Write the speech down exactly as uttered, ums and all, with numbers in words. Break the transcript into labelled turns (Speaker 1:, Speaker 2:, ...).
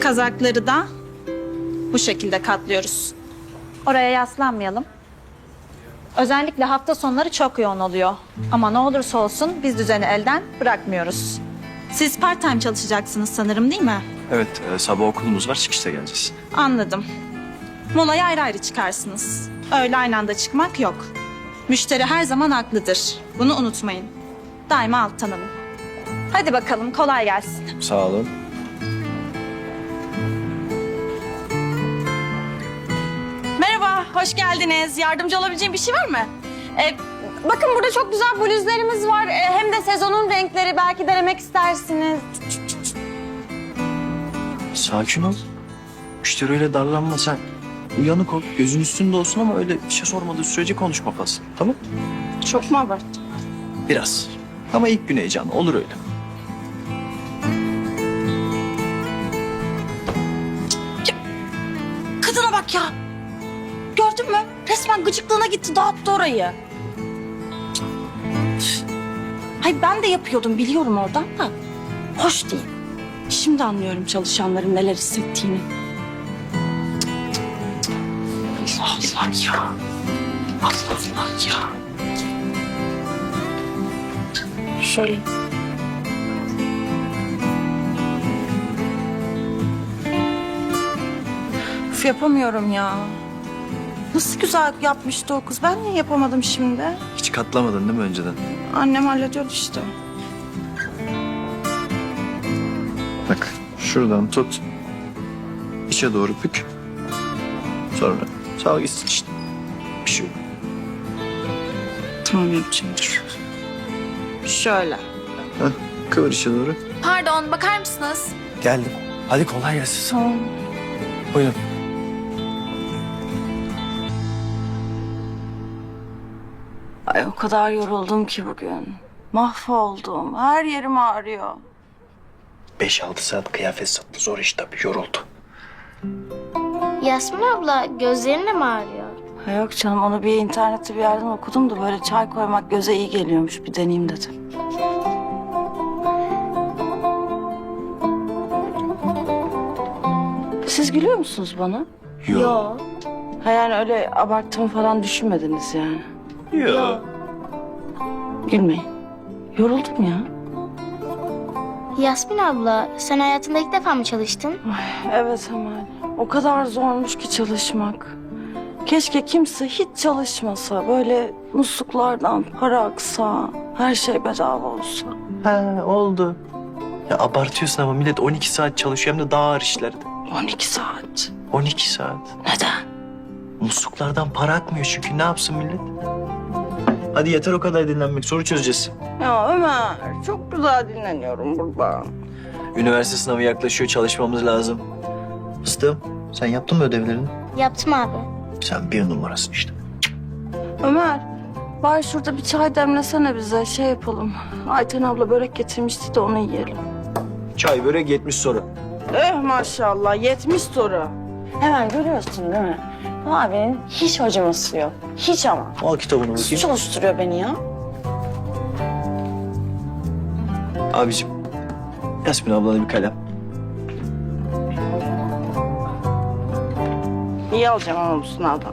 Speaker 1: Kazakları da bu şekilde katlıyoruz. Oraya yaslanmayalım. Özellikle hafta sonları çok yoğun oluyor. Ama ne olursa olsun biz düzeni elden bırakmıyoruz. Siz part time çalışacaksınız sanırım, değil mi?
Speaker 2: Evet, e, sabah okulumuz var, çıkışta geleceğiz.
Speaker 1: Anladım. Molaya ayrı ayrı çıkarsınız. Öyle aynı anda çıkmak yok. Müşteri her zaman haklıdır. Bunu unutmayın. Daima alttan alın. Hadi bakalım, kolay gelsin.
Speaker 2: Sağ olun.
Speaker 3: Merhaba, hoş geldiniz. Yardımcı olabileceğim bir şey var mı? Ee, bakın burada çok güzel bluzlarımız var. Ee, hem de sezonun renkleri. Belki denemek istersiniz.
Speaker 2: Sakin ol. Müşteri öyle darlanma sen. Uyanık ol, gözün üstünde olsun ama öyle bir şey sormadığı sürece konuşma fazla. Tamam?
Speaker 3: Çok mu abarttın?
Speaker 2: Biraz. Ama ilk gün heyecanı, olur öyle.
Speaker 3: Kadına bak ya. Gördün mü? Resmen gıcıklığına gitti, dağıttı orayı. Hayır ben de yapıyordum, biliyorum oradan da. Hoş değil. Şimdi anlıyorum çalışanların neler hissettiğini. Allah Allah ya. Allah Allah ya. Şöyle. Üf, yapamıyorum ya. Nasıl güzel yapmıştı o kız. Ben niye yapamadım şimdi?
Speaker 2: Hiç katlamadın değil mi önceden?
Speaker 3: Annem hallediyordu işte.
Speaker 2: Bak, şuradan tut. İçe doğru bük. Sonra sağ gitsin işte. Bir şey yok.
Speaker 3: Tamam yapacağım, dur. Şöyle.
Speaker 2: Heh, kıvır içe doğru.
Speaker 4: Pardon, bakar mısınız?
Speaker 2: Geldim. Hadi kolay gelsin.
Speaker 3: Tamam.
Speaker 2: Buyurun.
Speaker 3: Ay o kadar yoruldum ki bugün. Mahvoldum. Her yerim ağrıyor.
Speaker 2: Beş altı saat kıyafet sattı. Zor iş tabii. Yoruldu.
Speaker 5: Yasmin abla gözlerin de mi ağrıyor?
Speaker 3: Ha yok canım, onu bir internette bir yerden okudum da böyle çay koymak göze iyi geliyormuş. Bir deneyeyim dedim. Siz gülüyor musunuz bana?
Speaker 2: Yok.
Speaker 3: Ha yani öyle abarttığımı falan düşünmediniz yani.
Speaker 2: Yok.
Speaker 3: Gülmeyin. Yoruldum ya.
Speaker 5: Yasmin abla sen hayatında ilk defa mı çalıştın?
Speaker 3: Evet Emel. O kadar zormuş ki çalışmak. Keşke kimse hiç çalışmasa. Böyle musluklardan para aksa. Her şey bedava olsa.
Speaker 2: Ha oldu. Ya abartıyorsun ama millet on iki saat çalışıyor hem de daha ağır işlerde.
Speaker 3: on iki saat.
Speaker 2: on iki saat.
Speaker 3: Neden?
Speaker 2: Musluklardan para akmıyor çünkü ne yapsın millet? Hadi yeter o kadar dinlenmek. Soru çözeceğiz.
Speaker 3: Ya Ömer çok güzel dinleniyorum burada.
Speaker 2: Üniversite sınavı yaklaşıyor. Çalışmamız lazım. Fıstığım sen yaptın mı ödevlerini?
Speaker 5: Yaptım abi.
Speaker 2: Sen bir numarasın işte.
Speaker 3: Ömer var şurada bir çay demlesene bize, şey yapalım. Ayten abla börek getirmişti de onu yiyelim.
Speaker 2: Çay börek yetmiş soru.
Speaker 3: Eh maşallah yetmiş soru. Hemen görüyorsun değil mi? Bu abinin hiç acıması yok. Hiç ama.
Speaker 2: Al kitabını
Speaker 3: Nasıl
Speaker 2: bakayım.
Speaker 3: çalıştırıyor beni ya?
Speaker 2: Abicim Yasmin ablana bir kalem.
Speaker 3: İyi alacağım ama bu sınavdan.